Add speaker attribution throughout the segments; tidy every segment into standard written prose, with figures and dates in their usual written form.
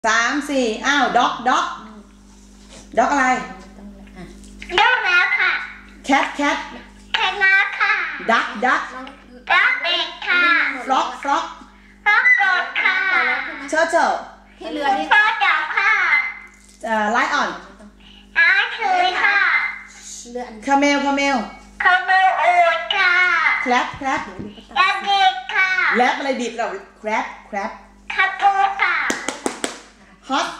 Speaker 1: 3 4อ้าวด็อกอะไร
Speaker 2: ด็อกแล้วค่ะ
Speaker 1: แคท
Speaker 2: แคทมาค่ะ
Speaker 1: ดัก
Speaker 2: เด็กค่ะ
Speaker 1: ฟล็อก
Speaker 2: กดค่ะ
Speaker 1: เชอร์
Speaker 2: ที่เรือนี่ฟ้าจับค่ะ
Speaker 1: ไลออน
Speaker 2: คือค่ะ
Speaker 1: คาเมล
Speaker 2: ขโมยอูดค่ะ
Speaker 1: แคลป
Speaker 2: เด็กค่ะ
Speaker 1: แรปอะไรบีบเราแครป
Speaker 2: คาปูค่ะ
Speaker 1: ฮอต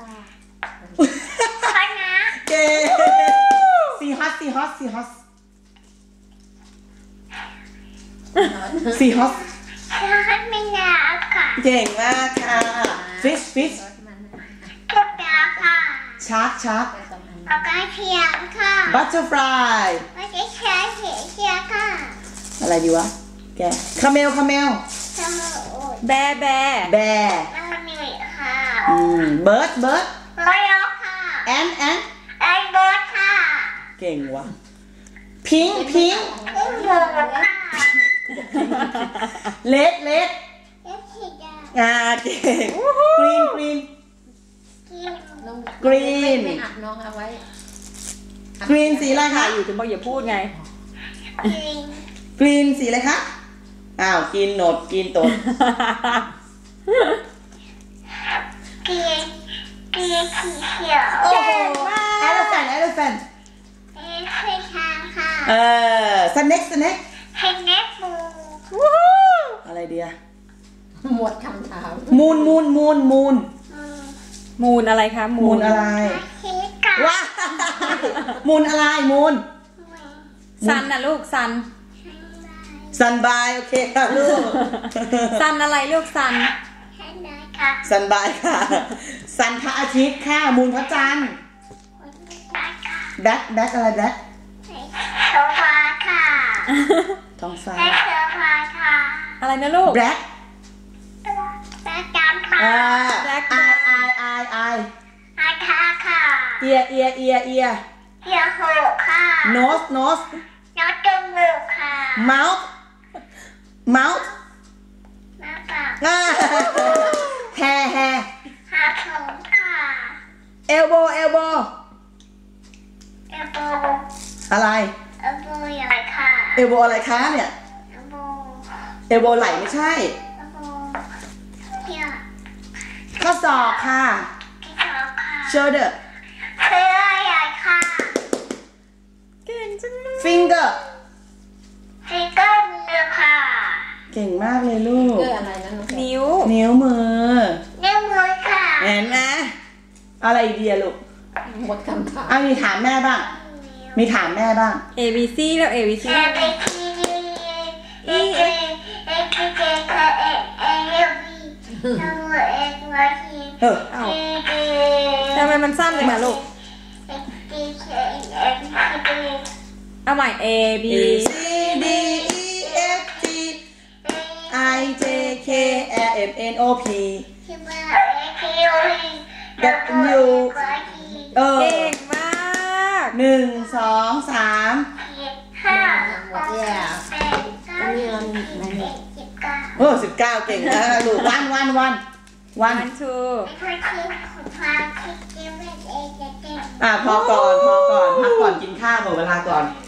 Speaker 2: คณะ
Speaker 1: เก๋ซีฮอต
Speaker 2: ฮอตไม่หนาวค่ะ
Speaker 1: เก่งมากค่ะฟิช
Speaker 2: ทุกอย่างค่ะ
Speaker 1: ชาร์ก
Speaker 2: ปากกาเทียมค่ะ
Speaker 1: บัตเตอร์ฟลาย
Speaker 2: ไม่ใช่เทียมค่ะ
Speaker 1: อะไรดีวะแกคาเมล
Speaker 3: แบ
Speaker 2: น้ำมันเหนื่อยค่ะ
Speaker 1: เบิร์ด
Speaker 2: ไม่ยกค่ะ
Speaker 1: แอน
Speaker 2: เบิร์ดค่ะ
Speaker 1: เก่งวะพิง
Speaker 2: หมูค่ะ
Speaker 1: เลด
Speaker 2: เก่ง
Speaker 1: กรีน
Speaker 3: ไม่อัดน้องเอาไว้
Speaker 1: กรีนสีอะไรคะ
Speaker 3: อยู่ถึงบอกอย่าพูดไง
Speaker 1: กรีนสีอะไรคะอ้าวกินโหนดกินตด
Speaker 2: สีเขียว
Speaker 1: โอ้โหเอลเฟน
Speaker 2: ช้างค่ะ
Speaker 1: สเน็ก
Speaker 2: มู
Speaker 1: อะไรเดีย
Speaker 3: หมดคำถาม
Speaker 1: มูน
Speaker 3: อะไรคะ
Speaker 1: มูนอะไรว้ามูนอะไรมูน
Speaker 3: ซันนะลูก
Speaker 1: ซันบายโอเคค่ะลูก
Speaker 3: ซันอะไรลูกซัน
Speaker 1: บายค่ะซันพระอาทิตย์ค่ะมูนพระจันทร์แบ็คอะไรแบ็ค
Speaker 2: โซฟาค่ะ
Speaker 1: ท้องฟ้า
Speaker 2: โซฟาค่ะ
Speaker 3: อะไรนะลูก
Speaker 1: แบ็ค
Speaker 2: จำค่ะ
Speaker 1: ไอ
Speaker 2: ค่ะ
Speaker 1: เอีย
Speaker 2: หูค่ะ
Speaker 1: โนส
Speaker 2: จมูกค่ะ
Speaker 1: เมาส์
Speaker 2: ปาก
Speaker 1: แฮ
Speaker 2: หาผมค่ะ
Speaker 1: เอลโบอะไร
Speaker 2: เอลโบอะไรค่ะ
Speaker 1: เอลโบอะไรคะเนี่ยเอลโบไหลไม่ใช่ข้อศอกค่ะโชเดอร์
Speaker 2: เสื้อใหญ่ค่ะ
Speaker 3: เก่งจังเลย
Speaker 1: ฟิงเกอร์
Speaker 2: มือค่ะ
Speaker 1: เก่งมากเลยลูก
Speaker 3: อะไรนะนิ้ว
Speaker 1: มือ
Speaker 2: ค่ะ
Speaker 1: เห็นไหมอะไรเดียลูก
Speaker 3: หมดคำถาม
Speaker 1: มีถามแม่บ้าง
Speaker 3: A B C แล้ว A B C ทำไมมันสั้นเลยมาลูกเอาใหม่ A B
Speaker 1: C D E F G I J K L M N O P W
Speaker 3: เก่งมาก
Speaker 1: 1 2 3
Speaker 3: หมดแล้ว
Speaker 1: 19เก่งนะลูกวันพอก่อนพักก่อนกินข้าวหมดเวลาก่อน